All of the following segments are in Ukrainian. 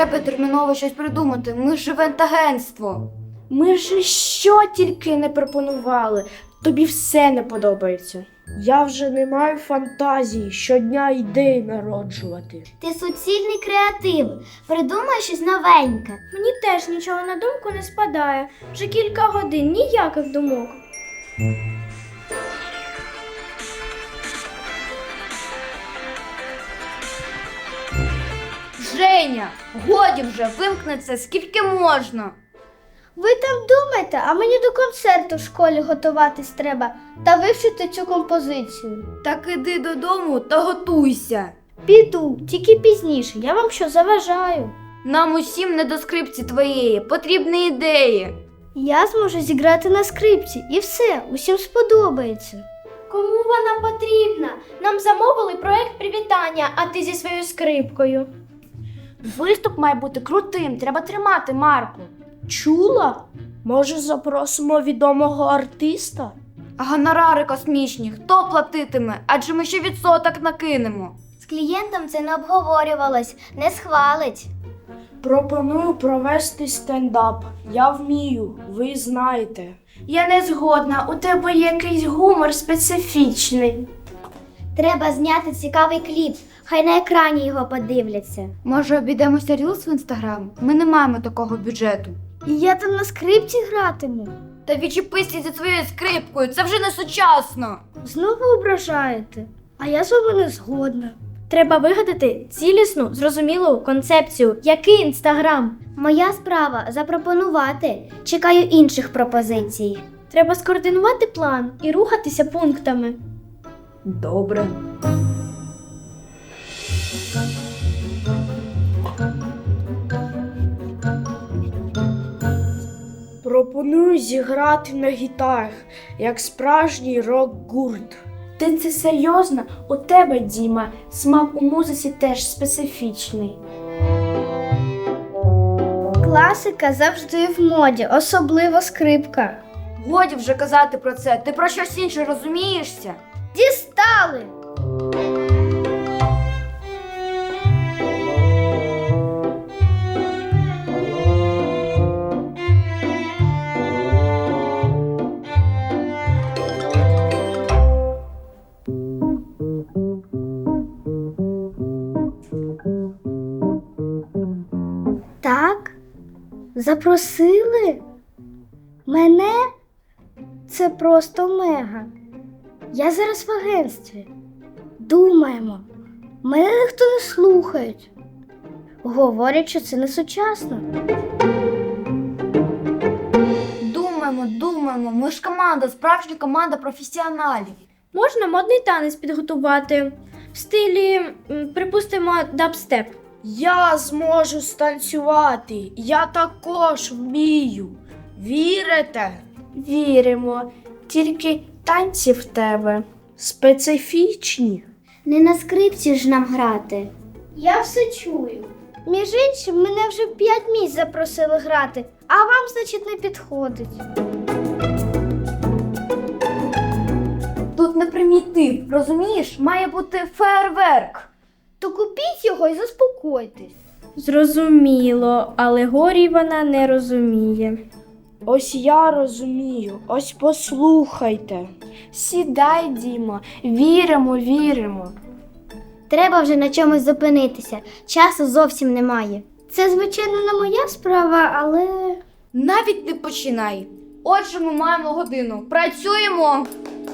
Треба терміново щось придумати. Ми ж івент-агентство. Ми ж що тільки не пропонували. Тобі все не подобається. Я вже не маю фантазії щодня ідеї народжувати. Ти суцільний креатив. Придумай щось новеньке. Мені теж нічого на думку не спадає. Вже кілька годин ніяких думок. Женя, годі вже, вимкни це, скільки можна. Ви там думайте, а мені до концерту в школі готуватись треба та вивчити цю композицію. Так іди додому та готуйся. Піду, тільки пізніше. Я вам що заважаю? Нам усім не до скрипці твоєї, потрібні ідеї. Я зможу зіграти на скрипці і все, усім сподобається. Кому вона потрібна? Нам замовили проект привітання, а ти зі своєю скрипкою. Виступ має бути крутим, треба тримати марку. Чула? Може, запросимо відомого артиста? А гонорари космічні, хто платитиме? Адже ми ще відсоток накинемо. З клієнтом це не обговорювалось, не схвалить. Пропоную провести стендап. Я вмію, ви знаєте. Я не згодна, у тебе якийсь гумор специфічний. Треба зняти цікавий кліп, хай на екрані його подивляться. Може, обійдемося Рілс в Інстаграм? Ми не маємо такого бюджету. І я там на скрипці гратиму. Та відчепися зі своєю скрипкою, це вже не сучасно. Знову ображаєте? А я з вами не згодна. Треба вигадати цілісну, зрозумілу концепцію. Який інстаграм? Моя справа запропонувати. Чекаю інших пропозицій. Треба скоординувати план і рухатися пунктами. Добре. Пропоную зіграти на гітарах, як справжній рок-гурт. Ти це серйозно? У тебе, Діма, смак у музиці теж специфічний. Класика завжди в моді, особливо скрипка. Годі вже казати про це, ти про щось інше розумієшся? Дістали! Так? Запросили? Мене? Це просто мега. Я зараз в агентстві. Думаємо. Мене ніхто не слухає. Говорять, що це не сучасно. Думаємо, ми ж команда, справжня команда професіоналів. Можна модний танець підготувати в стилі, припустимо, дабстеп. Я зможу станцювати, я також вмію. Вірите? Віримо, тільки танці в тебе специфічні. Не на скрипці ж нам грати. Я все чую. Між іншим, мене вже 5 місць запросили грати, а вам, значить, не підходить. Тут не примітив, розумієш? Має бути фейерверк. То купіть його і заспокойтесь. Зрозуміло, але горі вона не розуміє. Ось я розумію, ось послухайте. Сідай, Дімо, віримо. Треба вже на чомусь зупинитися. Часу зовсім немає. Це, звичайно, не моя справа, але... Навіть не починай. Отже, ми маємо годину. Працюємо!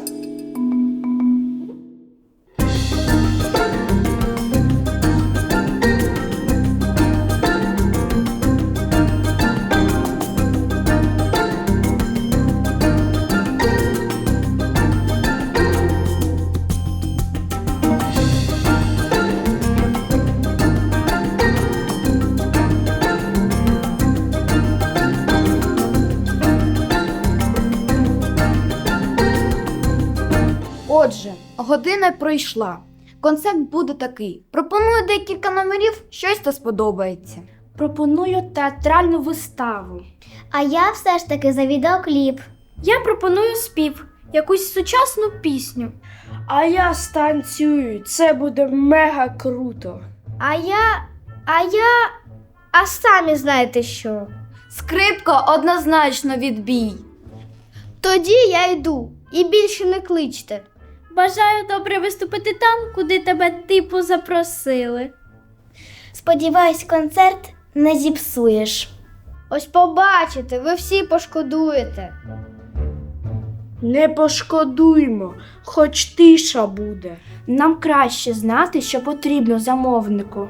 Отже, година пройшла. Концепт буде такий. Пропоную декілька номерів, щось та сподобається. Пропоную театральну виставу. А я все ж таки за відеокліп. Я пропоную спів, якусь сучасну пісню. А я станцюю, це буде мега круто. А я А самі знаєте що. Скрипка однозначно відбій. Тоді я йду і більше не кличте. Бажаю добре виступити там, куди тебе типу запросили. Сподіваюсь, концерт не зіпсуєш. Ось побачите, ви всі пошкодуєте. Не пошкодуймо, хоч тиша буде. Нам краще знати, що потрібно замовнику.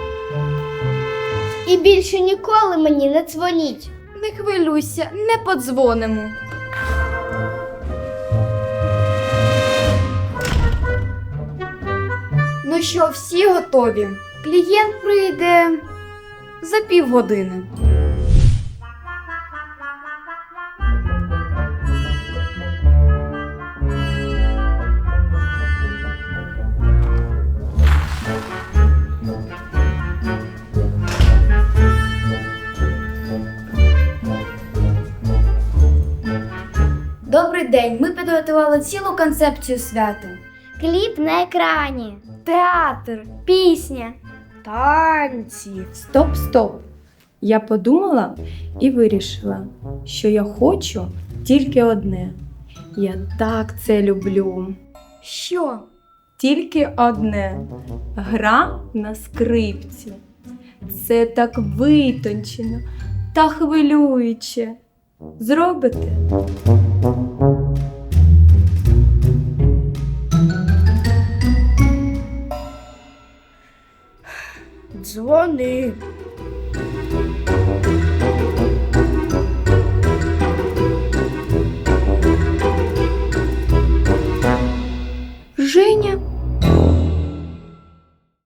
І більше ніколи мені не дзвоніть. Не хвилюйся, не подзвонимо. Ну що, всі готові? Клієнт прийде за півгодини. Добрий день, ми підготували цілу концепцію свята. Кліп на екрані. Театр, пісня. Танці. Стоп. Я подумала і вирішила, що я хочу тільки одне. Я так це люблю. Що? Тільки одне. Гра на скрипці. Це так витончено та хвилююче. Зробите? Дзвони.